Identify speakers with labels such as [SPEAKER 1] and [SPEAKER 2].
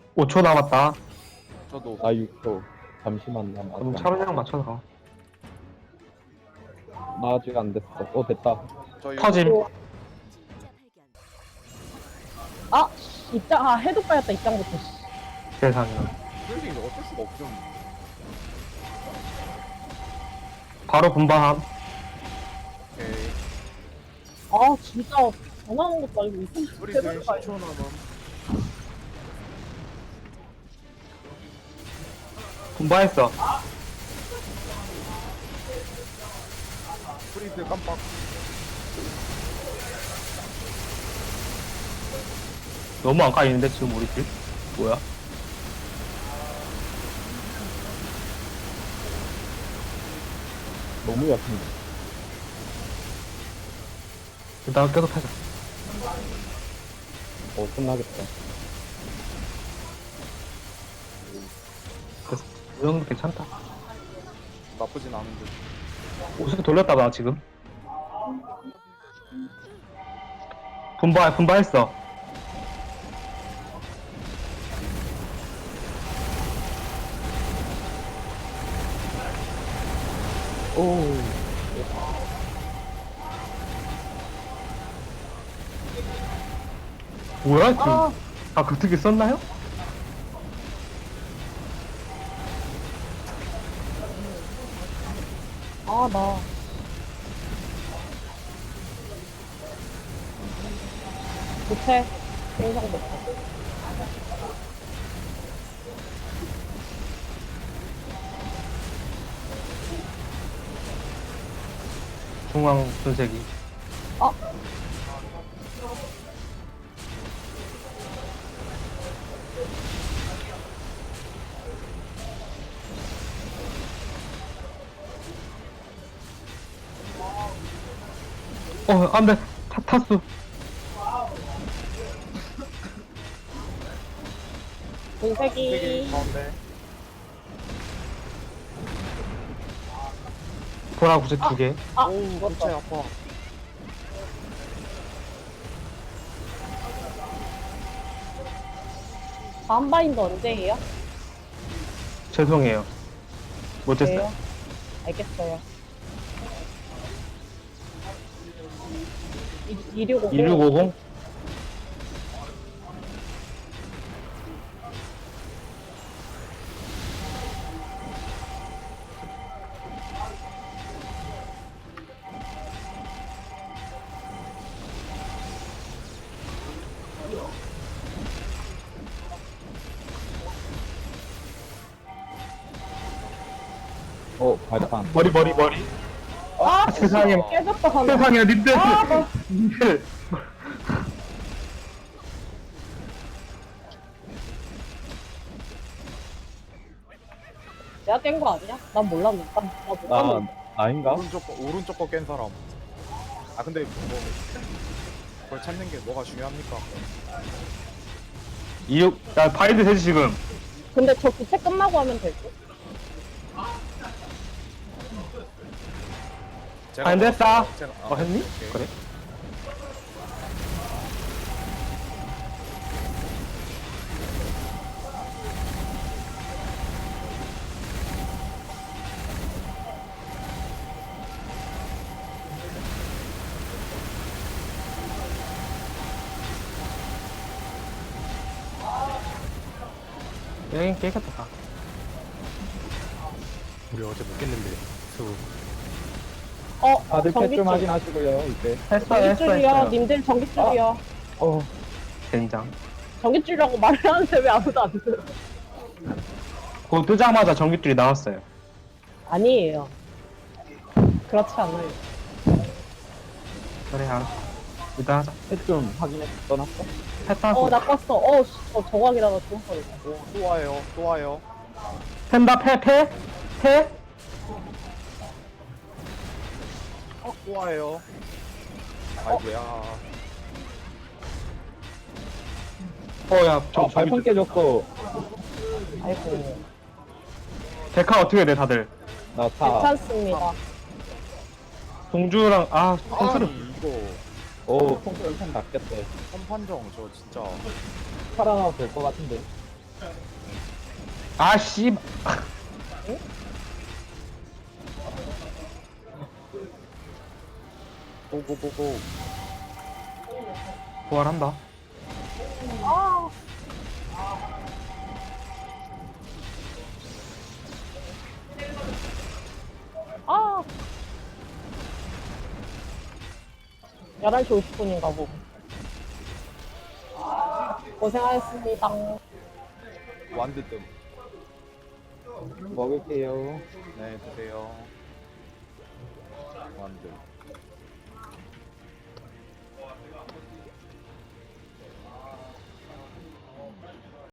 [SPEAKER 1] 5초 남았다.
[SPEAKER 2] 저도.
[SPEAKER 3] 나 6초. 잠시만 나
[SPEAKER 1] 그럼
[SPEAKER 3] 아직
[SPEAKER 1] 차로이랑 맞춰서 가.
[SPEAKER 3] 나 아직 안 됐어. 됐다.
[SPEAKER 2] 저
[SPEAKER 1] 터짐.
[SPEAKER 4] 아, 씨, 입장, 해도 빠졌다, 입장부터, 씨.
[SPEAKER 1] 세상에.
[SPEAKER 2] 힐링 어쩔 수가 없죠.
[SPEAKER 1] 바로 분방함.
[SPEAKER 2] 오케이.
[SPEAKER 4] 아, 진짜, 전화하는 것도 아니고, 이쁜
[SPEAKER 2] 프리즈
[SPEAKER 4] 제대로 가야
[SPEAKER 2] 10초 남음.
[SPEAKER 1] 분방했어.
[SPEAKER 2] 프리즈 깜빡.
[SPEAKER 1] 너무 안 까이는데, 지금 우리 팀? 뭐야?
[SPEAKER 3] 너무 약한데.
[SPEAKER 1] 일단 계속 하자.
[SPEAKER 3] 끝나겠다.
[SPEAKER 1] 그래서 이 정도 괜찮다.
[SPEAKER 2] 나쁘진 않은데.
[SPEAKER 1] 옷을 돌렸다, 나 지금. 분발했어.
[SPEAKER 3] 오.
[SPEAKER 1] 뭐야, 지금?
[SPEAKER 4] 아,
[SPEAKER 1] 그 특이 썼나요?
[SPEAKER 4] 나. 못해. 인상 못해.
[SPEAKER 1] 중앙 분쇄기.
[SPEAKER 4] 아,
[SPEAKER 1] 안 돼. 타수.
[SPEAKER 4] 분쇄기.
[SPEAKER 2] 힐링 가운데.
[SPEAKER 1] 보라 구제 2개.
[SPEAKER 4] 아,
[SPEAKER 2] 오우,
[SPEAKER 4] 죽었다.
[SPEAKER 2] 골체 아파.
[SPEAKER 4] 다음 바인드 언제 해요?
[SPEAKER 1] 죄송해요. 못했어요.
[SPEAKER 4] 그래요? 알겠어요. 2650.
[SPEAKER 1] 2650?
[SPEAKER 3] 발판.
[SPEAKER 1] 머리.
[SPEAKER 4] 아,
[SPEAKER 1] 세상에.
[SPEAKER 4] 깨졌다, 하나.
[SPEAKER 1] 세상에, 님들.
[SPEAKER 4] 아,
[SPEAKER 1] 님들.
[SPEAKER 4] 내가 깬 거 아니야? 난 몰랐는데. 나 몰랐는데.
[SPEAKER 3] 아닌가?
[SPEAKER 2] 오른쪽 거 깬 사람. 아, 근데 뭐 그걸 찾는 게 뭐가 중요합니까?
[SPEAKER 1] 야, 바인드 세지, 지금.
[SPEAKER 4] 근데 저 부채 끝나고 하면 될 듯?
[SPEAKER 2] 제가
[SPEAKER 1] 바인드 했다.
[SPEAKER 2] 제가
[SPEAKER 1] 했니?
[SPEAKER 2] 오케이.
[SPEAKER 1] 그래. 깨겠다.
[SPEAKER 5] 우리 어제 못 깼는데 수
[SPEAKER 3] 다들 패 좀
[SPEAKER 4] 전기줄.
[SPEAKER 3] 확인하시고요, 이제.
[SPEAKER 4] 전기줄이요. 님들 전기줄이요.
[SPEAKER 1] 된장.
[SPEAKER 4] 전기줄이라고 말을 하는데 왜 아무도 안 들어?
[SPEAKER 1] 그거 뜨자마자 전기줄이 나왔어요.
[SPEAKER 4] 아니에요. 그렇지 않아요.
[SPEAKER 1] 그래, 알았어. 일단 하자.
[SPEAKER 3] 패 좀 확인해 떠났어?
[SPEAKER 1] 패타고.
[SPEAKER 4] 나 껐어. 저거 하기다가 죽을 뻔했어.
[SPEAKER 2] 오, 또 와요. 또 와요.
[SPEAKER 1] 펜다, 패?
[SPEAKER 2] 또 와요. 아이고야.
[SPEAKER 1] 야,
[SPEAKER 3] 발판 깨졌어.
[SPEAKER 4] 아이고.
[SPEAKER 1] 데카 어떻게 돼, 다들?
[SPEAKER 3] 나 타.
[SPEAKER 4] 괜찮습니다.
[SPEAKER 1] 동주랑, 콘스를.
[SPEAKER 2] 아니 이거
[SPEAKER 3] 통솔 펜 낚였대.
[SPEAKER 2] 선판정 저 진짜
[SPEAKER 3] 살아나도 될 것 같은데.
[SPEAKER 1] 아, 씨.
[SPEAKER 2] 고고고고.
[SPEAKER 1] 부활한다.
[SPEAKER 4] 아. 아. 11시 50분인가 보고. 고생하셨습니다.
[SPEAKER 2] 완드 뜸.
[SPEAKER 3] 먹을게요.
[SPEAKER 2] 네, 드세요. 완드.